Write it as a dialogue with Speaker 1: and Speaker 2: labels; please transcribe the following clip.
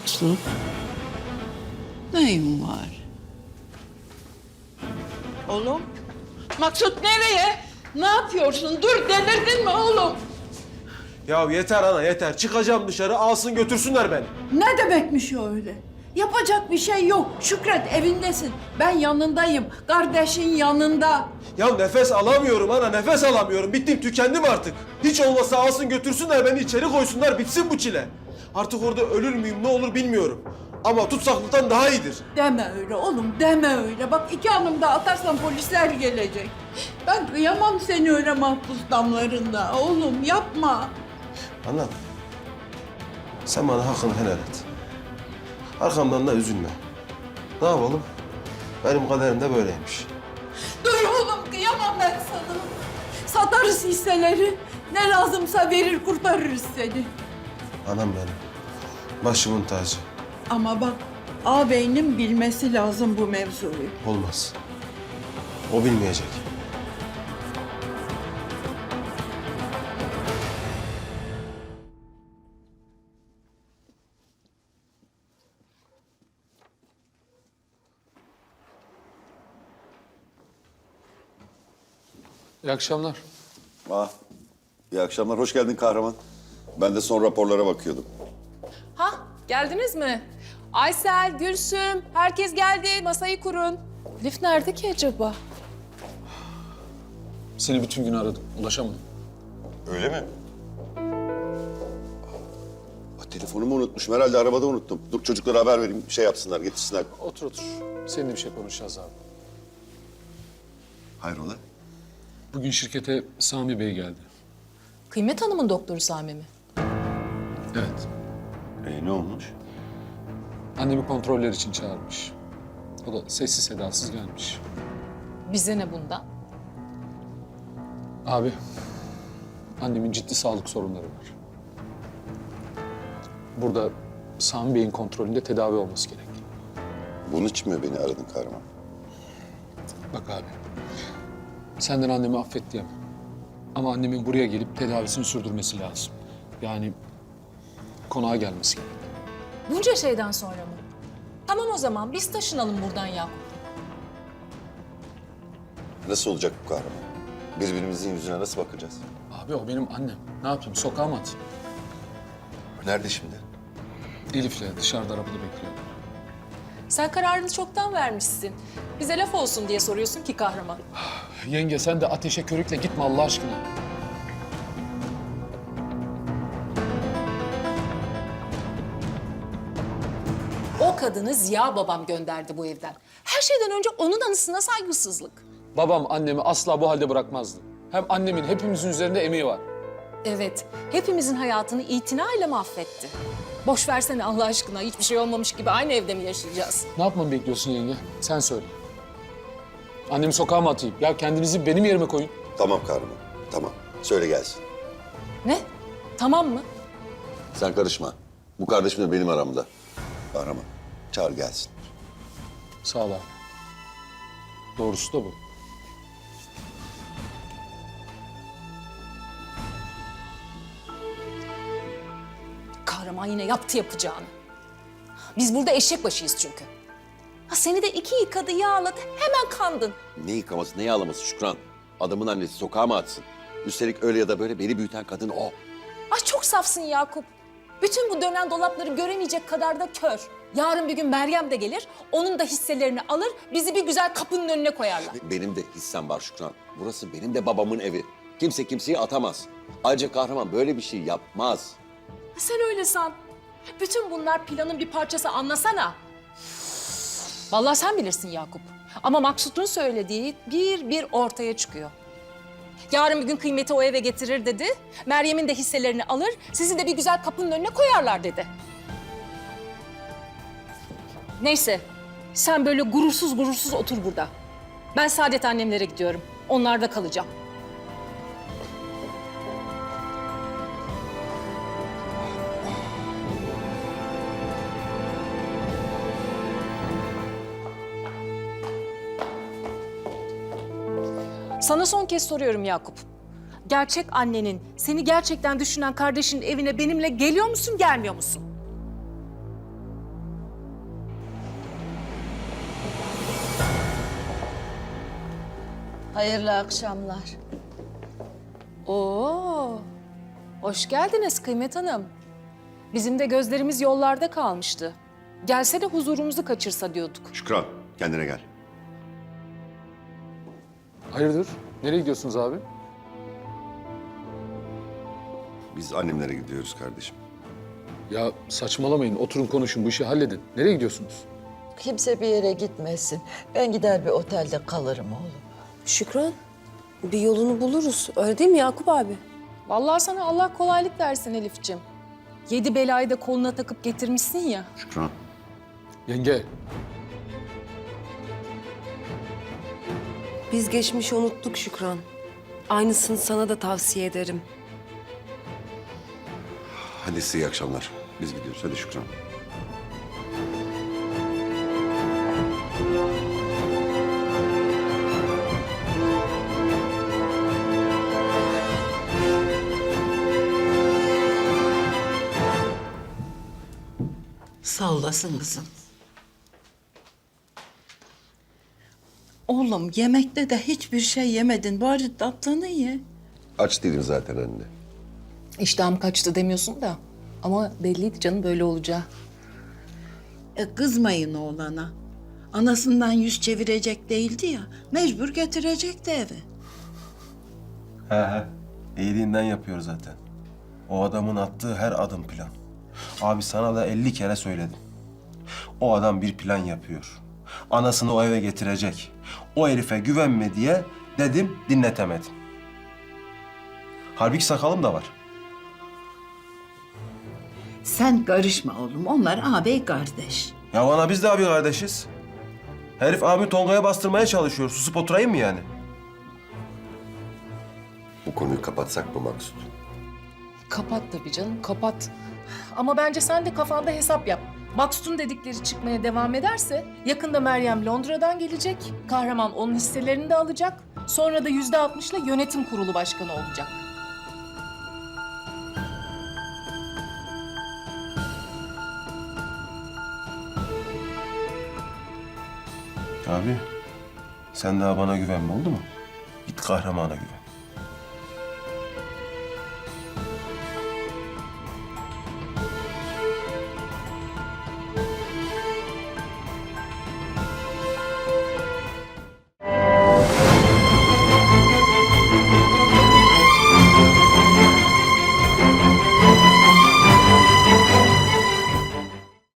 Speaker 1: Maksut. Neyin var? Oğlum. Maksut nereye? Ne yapıyorsun? Dur, delirdin mi oğlum?
Speaker 2: Ya yeter ana yeter. Çıkacağım dışarı alsın götürsünler beni.
Speaker 1: Ne demekmiş o öyle? Yapacak bir şey yok. Şükret, evindesin. Ben yanındayım. Kardeşin yanında.
Speaker 2: Ya nefes alamıyorum ana nefes alamıyorum. Bittim tükendim artık. Hiç olmasa alsın götürsünler beni içeri koysunlar bitsin bu çile. Artık orada ölür müyüm ne olur bilmiyorum. Ama tutsaklıktan daha iyidir.
Speaker 1: Deme öyle oğlum, deme öyle. Bak 2 hanım da atarsan polisler gelecek. Ben kıyamam seni öyle mahpus damlarında. Oğlum yapma.
Speaker 2: Ana sen bana hakkını helal et. Arkamdan da üzülme. Ne yapalım? Benim kaderim de böyleymiş.
Speaker 1: Dur oğlum, kıyamam ben sana. Satarız hisseleri. Ne lazımsa verir kurtarırız seni.
Speaker 2: Anam benim. Başımın tacı.
Speaker 1: Ama bak, ağabeyinin bilmesi lazım bu mevzuyu.
Speaker 2: Olmaz. O bilmeyecek.
Speaker 3: İyi akşamlar.
Speaker 4: İyi akşamlar, hoş geldin kahraman. Ben de son raporlara bakıyordum.
Speaker 5: Ha, geldiniz mi? Aysel, Gülsüm, herkes geldi. Masayı kurun. Elif nerede ki acaba?
Speaker 3: Seni bütün gün aradım. Ulaşamadım.
Speaker 4: Öyle mi? Telefonumu unutmuşum, herhalde arabada unuttum. Dur çocuklara haber vereyim, şey yapsınlar, getirsinler.
Speaker 3: Otur otur. Seninle bir şey konuşacağız abi.
Speaker 4: Hayrola?
Speaker 3: Bugün şirkete Sami Bey geldi.
Speaker 5: Kıymet Hanım'ın doktoru Sami mi?
Speaker 3: Evet.
Speaker 4: Ne olmuş?
Speaker 3: Annemi kontroller için çağırmış. O da sessiz sedasız gelmiş.
Speaker 5: Bize ne bundan?
Speaker 3: Abi, annemin ciddi sağlık sorunları var. Burada Sami Bey'in kontrolünde tedavi olması gerek.
Speaker 4: Bunun için mi beni aradın kahraman?
Speaker 3: Bak abi, senden annemi affet diyemem. Ama annemin buraya gelip tedavisini sürdürmesi lazım. Yani konağa gelmesi gerek.
Speaker 5: Bunca şeyden sonra mı? Tamam o zaman biz taşınalım buradan Yakup.
Speaker 4: Nasıl olacak bu kahraman? Birbirimizin yüzüne nasıl bakacağız?
Speaker 3: Abi o benim annem. Ne yapayım, sokağa mı atayım?
Speaker 4: Nerede şimdi?
Speaker 3: Elif'le dışarıda arabada bekliyor.
Speaker 5: Sen kararını çoktan vermişsin. Bize laf olsun diye soruyorsun ki kahraman.
Speaker 3: Yenge sen de ateşe körükle gitme Allah aşkına.
Speaker 5: O kadını Ziya babam gönderdi bu evden. Her şeyden önce onun anısına saygısızlık.
Speaker 3: Babam annemi asla bu halde bırakmazdı. Hem annemin hepimizin üzerinde emeği var.
Speaker 5: Evet, hepimizin hayatını itinayla mahvetti. Boş versene Allah aşkına, hiçbir şey olmamış gibi aynı evde mi yaşayacağız?
Speaker 3: Ne yapmamı bekliyorsun yenge? Sen söyle. Annemi sokağa mı atayım? Ya kendinizi benim yerime koyun.
Speaker 4: Tamam kahraman, tamam. Söyle gelsin.
Speaker 5: Ne? Tamam mı?
Speaker 4: Sen karışma. Bu kardeşimle benim aramda. Kahraman, çağır gelsin.
Speaker 3: Sağ ol abi. Doğrusu da bu.
Speaker 5: Kahraman yine yaptı yapacağını. Biz burada eşek başıyız çünkü. Ha seni de 2 yıkadı, yağladı, hemen kandın.
Speaker 4: Ne yıkaması, ne yağlaması Şükran? Adamın annesi sokağa mı atsın? Üstelik öyle ya da böyle beni büyüten kadın o.
Speaker 5: Ay çok safsın Yakup. Bütün bu dönen dolapları göremeyecek kadar da kör. Yarın bir gün Meryem de gelir, onun da hisselerini alır, bizi bir güzel kapının önüne koyarlar.
Speaker 4: Benim de hissem var Şükran. Burası benim de babamın evi. Kimse kimseyi atamaz. Ayrıca kahraman böyle bir şey yapmaz.
Speaker 5: Sen öyle san. Bütün bunlar planın bir parçası, anlasana. Vallahi sen bilirsin Yakup. Ama Maksut'un söylediği bir ortaya çıkıyor. Yarın bir gün Kıymet'i o eve getirir dedi. Meryem'in de hisselerini alır, sizi de bir güzel kapının önüne koyarlar dedi. Neyse, sen böyle gurursuz gurursuz otur burada. Ben Saadet annemlere gidiyorum. Onlarda kalacağım. Sana son kez soruyorum Yakup. Gerçek annenin, seni gerçekten düşünen kardeşinin evine benimle geliyor musun, gelmiyor musun?
Speaker 6: Hayırlı akşamlar.
Speaker 5: Oo, hoş geldiniz Kıymet Hanım. Bizim de gözlerimiz yollarda kalmıştı. Gelse de huzurumuzu kaçırsa diyorduk.
Speaker 4: Şükran, kendine gel.
Speaker 3: Hayırdır? Nereye gidiyorsunuz abi?
Speaker 4: Biz annemlere gidiyoruz kardeşim.
Speaker 3: Ya saçmalamayın, oturun konuşun, bu işi halledin. Nereye gidiyorsunuz?
Speaker 6: Kimse bir yere gitmesin. Ben gider bir otelde kalırım oğlum.
Speaker 7: Şükran, bir yolunu buluruz. Öyle değil mi Yakup abi?
Speaker 5: Vallahi sana Allah kolaylık versin Elif'ciğim. 7 belayı da koluna takıp getirmişsin ya.
Speaker 4: Şükran.
Speaker 3: Yenge,
Speaker 7: Biz geçmişi unuttuk Şükran. Aynısını sana da tavsiye ederim.
Speaker 4: Hadi size iyi akşamlar. Biz gidiyoruz. Hadi Şükran.
Speaker 1: Sağ olasın kızım. Oğlum yemekte de hiçbir şey yemedin. Bari tatlını ye.
Speaker 4: Aç değilim zaten anne.
Speaker 5: İştahım kaçtı demiyorsun da. Ama belliydi canım böyle olacağı.
Speaker 1: Kızmayın oğlana. Anasından yüz çevirecek değildi ya. Mecbur getirecekti eve.
Speaker 2: He. İyiliğinden yapıyor zaten. O adamın attığı her adım plan. Abi sana da 50 kere söyledim. O adam bir plan yapıyor. Anasını o eve getirecek. O herife güvenme diye dedim, dinletemedim. Halbuki sakalım da var.
Speaker 1: Sen karışma oğlum. Onlar ağabey kardeş.
Speaker 2: Ya bana biz de abi kardeşiz. Herif abi Tonga'ya bastırmaya çalışıyor. Susup oturayım mı yani?
Speaker 4: Bu konuyu kapatsak mı Maksut?
Speaker 5: Kapat tabii canım, kapat. Ama bence sen de kafanda hesap yap. Maksut'un dedikleri çıkmaya devam ederse yakında Meryem Londra'dan gelecek. Kahraman onun hisselerini de alacak. Sonra da %60'la yönetim kurulu başkanı olacak.
Speaker 2: Abi sen daha bana güvenme oldu mu? Git kahramana güven.